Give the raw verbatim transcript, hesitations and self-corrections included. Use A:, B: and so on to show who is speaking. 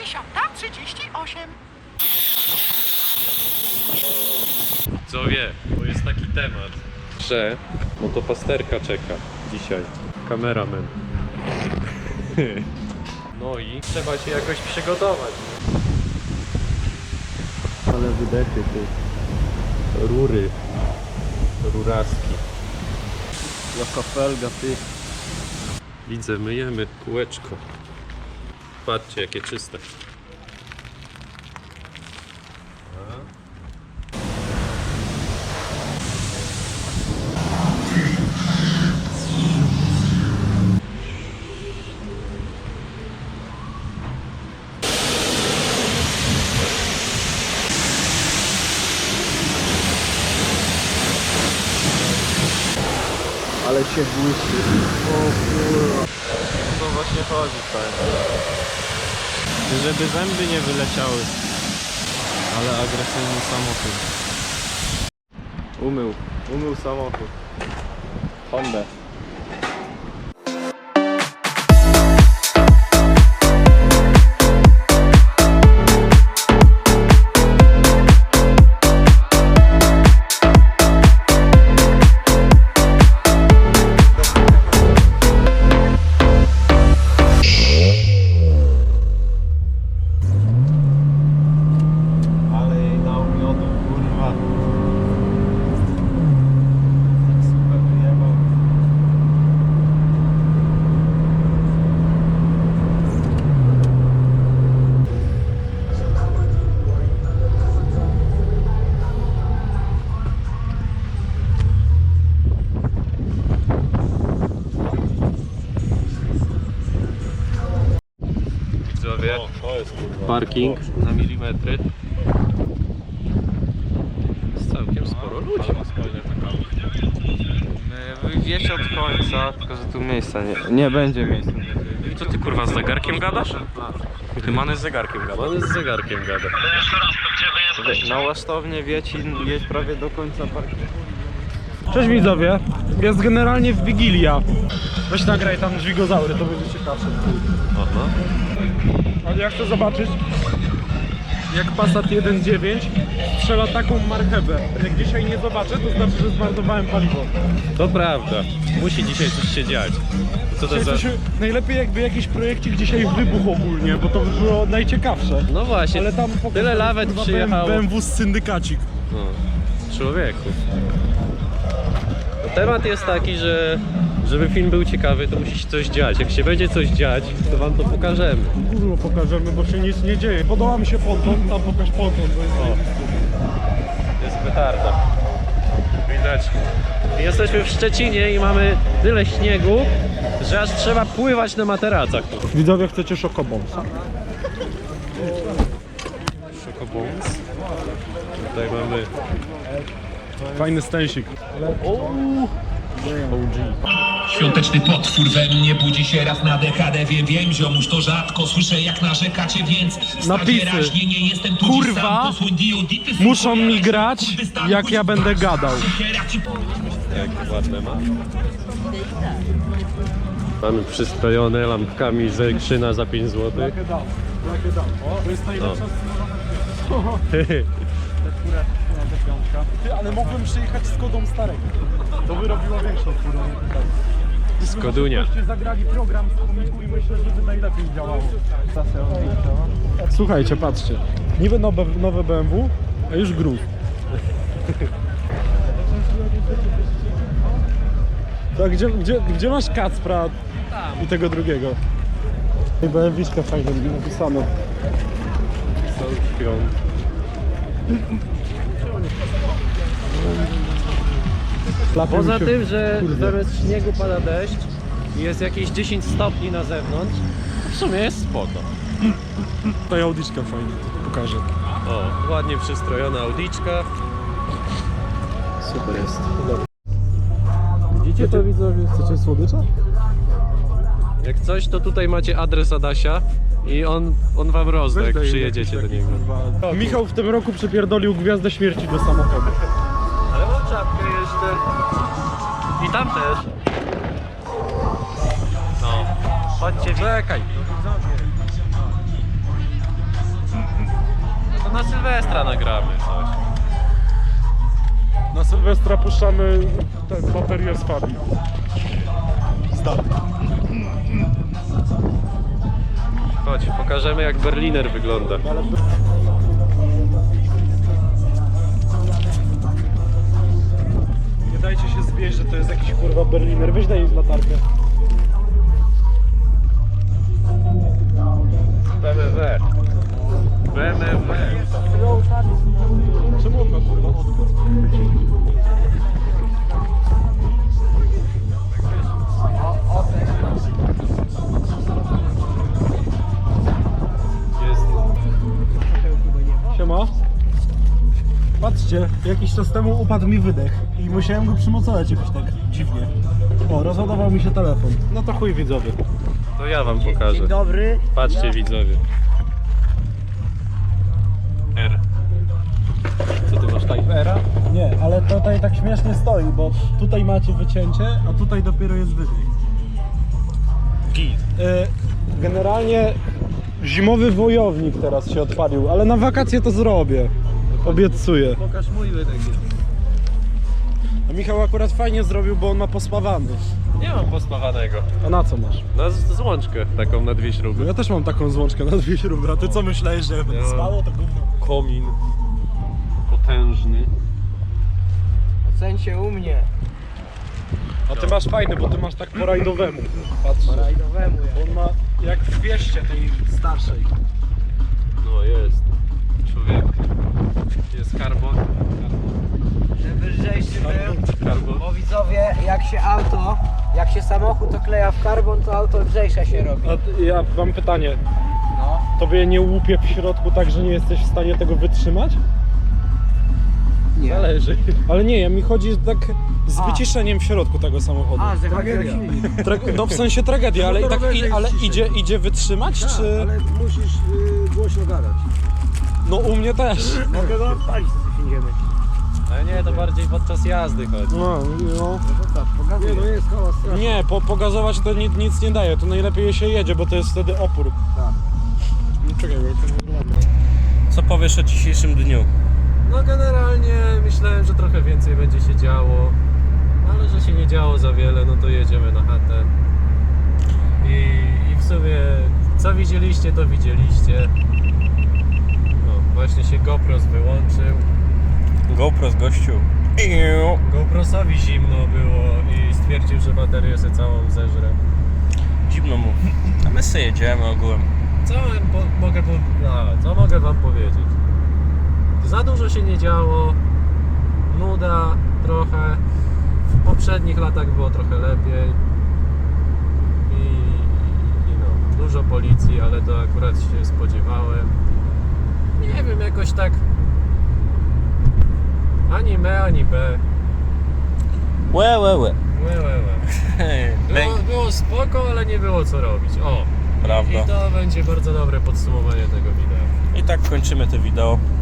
A: dziesiąta trzydzieści osiem.
B: Co wie, bo jest taki temat, że motopasterka czeka dzisiaj. Kameraman. No i trzeba się jakoś przygotować. Ale wydechy ty. Rury. Ruraski. Jaka felga ty. Widzę, myjemy kółeczko. Patrzcie, jakie czyste.
C: Ale się błyszczy. O kurwa. To właśnie chodzi, tak. Żeby zęby nie wyleciały. Ale agresywny samochód. Umył. Umył samochód. Honda.
B: Parking na milimetry. Jest całkiem sporo ludzi.
C: Wieś od końca, tylko że tu miejsca nie, nie będzie miejsca.
B: Co ty kurwa z zegarkiem gadasz? Ty Many z zegarkiem gada. Many z zegarkiem gada.
C: Na Łasztownie Wiecin jest prawie do końca parkingu.
D: Cześć widzowie, jest generalnie w Wigilia. Weź nagraj tam dźwigozaury, to będzie ciekawsze.
B: Aha.
D: Ale jak chcę zobaczyć, jak Passat jeden dziewięć strzela taką marchewę. Jak dzisiaj nie zobaczę, to znaczy, że zmarnowałem paliwo.
B: To prawda. Musi dzisiaj coś się dziać. Co to za...
D: Coś, najlepiej jakby jakiś projekcik dzisiaj wybuchł ogólnie, bo to by było najciekawsze.
B: No właśnie,
D: ale tam
B: tyle lawet przyjechało.
D: B M W z syndykacik.
B: No, człowieku. No, temat jest taki, że żeby film był ciekawy, to musi się coś dziać. Jak się będzie coś dziać, to wam to pokażemy.
D: Górno pokażemy, bo się nic nie dzieje. Podoba mi się ponton, tam pokaż ponton, bo jest zajebisty.
B: Jest petarda. Widać. Jesteśmy w Szczecinie i mamy tyle śniegu, że aż trzeba pływać na materacach.
D: Widzowie, chcecie szokobons?
B: Szokobons. Tutaj mamy
D: Fajny stęsik. O G.
E: Świąteczny potwór we mnie budzi się raz na dekadę. Wiem, wiem, ziomuś, to rzadko słyszę jak narzekacie, więc
D: Napisy.
E: wyraźnie nie jestem tu
D: Kurwa,
E: sam, posłuń diodity,
D: muszą mi grać, jak ja będę gadał.
B: jak ładne ma. Mamy przystrojone lampkami z Krzyna za pięć złotych.
D: To jest najlepsza Ty, ale mogłem przyjechać z kodą starego. To by robiło większą furę.
B: Skodunia.
D: Gdybyście zagrali program z komiku i myślę, że by najlepiej działało. Słuchajcie, patrzcie. Niby nowe, nowe B M W, a już gruz. Tak, gdzie, gdzie, gdzie masz Kacpra i tego drugiego? B M W-szka fajnie napisane.
B: Są śpią. Poza tym, że zamiast śniegu pada deszcz i jest jakieś dziesięć stopni na zewnątrz, w sumie jest spoko.
D: Ta Audiczka fajnie, pokażę.
B: O, ładnie przystrojona Audiczka. Super jest.
D: Widzicie to, widzowie? Chcecie słodycza?
B: Jak coś, to tutaj macie adres Adasia i on, on wam rozda, jak przyjedziecie do niego.
D: Michał w tym roku przypierdolił Gwiazdę Śmierci do samochodu.
B: Ale mam czapkę jeszcze. I tam też. No. Chodźcie, czekaj. Sylwestra nagramy coś.
D: Na Sylwestra puszczamy ten baterię z Fabii.
B: Chodź, pokażemy jak Berliner wygląda.
D: Nie dajcie się zwieść, że to jest jakiś kurwa Berliner. Weź daj latarkę.
B: B M W. B M W.
D: Czemu on ma kurwa odbyt?
B: Jest.
D: Siema. Patrzcie, jakiś czas temu upadł mi wydech i musiałem go przymocować jakoś tak dziwnie. O, rozładował mi się telefon. No to chuj widzowie.
B: To ja wam pokażę.
F: Dzień dobry.
B: Patrzcie widzowie. R. Co ty masz, Type R'a?
D: Nie, ale tutaj tak śmiesznie stoi, bo tutaj macie wycięcie, a tutaj dopiero jest wydech.
B: Git.
D: E, Generalnie zimowy wojownik teraz się odpalił, ale na wakacje to zrobię. Obiecuję.
B: Pokaż mój wydech.
D: A Michał akurat fajnie zrobił, bo on ma pospawany.
B: Nie mam pospawanego.
D: A na co masz?
B: Na z- złączkę taką na dwie śruby.
D: Ja też mam taką złączkę na dwie śruby, a ty co myślałeś, że jak będę
B: Ja-
D: spało, to gówno.
B: Komin. Potężny.
F: Ocencie u mnie.
D: A ty masz fajny, bo ty masz tak po rajdowemu. Patrz.
F: Rajdowemu
D: Bo on ma jak w wieście tej starszej.
B: No jest. Człowiek. Jest karbon.
F: Żeby lżejszy był.
B: Karbon.
F: Bo widzowie, jak się auto, jak się samochód okleja w karbon, to auto lżejsze się robi.
D: A ty- ja mam pytanie.
F: No.
D: Tobie nie łupie w środku tak, że nie jesteś w stanie tego wytrzymać?
F: Nie.
B: Zależy.
D: Ale nie, ja mi chodzi tak z
F: A.
D: wyciszeniem w środku tego samochodu.
F: A, że tragedia.
D: Tra- no w sensie tragedia, ale, i tak, i, ale idzie, idzie wytrzymać, czy...
F: Ale musisz y, głośno gadać.
D: No u mnie też.
F: Mogę go odpalić, co tu siędziemy.
B: Ale nie, to bardziej podczas jazdy chodzi.
D: No, no.
F: Nie, no jest hałas straszny.
D: Nie, po, pogazować to nic, nic nie daje, to najlepiej się jedzie, bo to jest wtedy opór.
F: Tak.
D: No czekaj, bo to nie wygląda.
C: Co powiesz o dzisiejszym dniu?
B: No generalnie myślałem, że trochę więcej będzie się działo, ale że się nie działo za wiele, no to jedziemy na chatę. I, i w sumie co widzieliście, to widzieliście. No właśnie się GoPros wyłączył.
C: GoPro z gościu.
B: GoProsowi zimno było i stwierdził, że baterię sobie całą zeżre.
C: Zimno mu. A my sobie jedziemy ogółem.
B: Co wam po, mogę, po, no, co mogę wam powiedzieć? Za dużo się nie działo, nuda trochę, w poprzednich latach było trochę lepiej i, i no, dużo policji, ale to akurat się spodziewałem. Nie wiem, jakoś tak ani me, ani be.
C: Łe, łe, łe.
B: Łe, łe, łe. Było, było spoko, ale nie było co robić. O!
C: Prawda.
B: I to będzie bardzo dobre podsumowanie tego wideo.
C: I tak kończymy to wideo.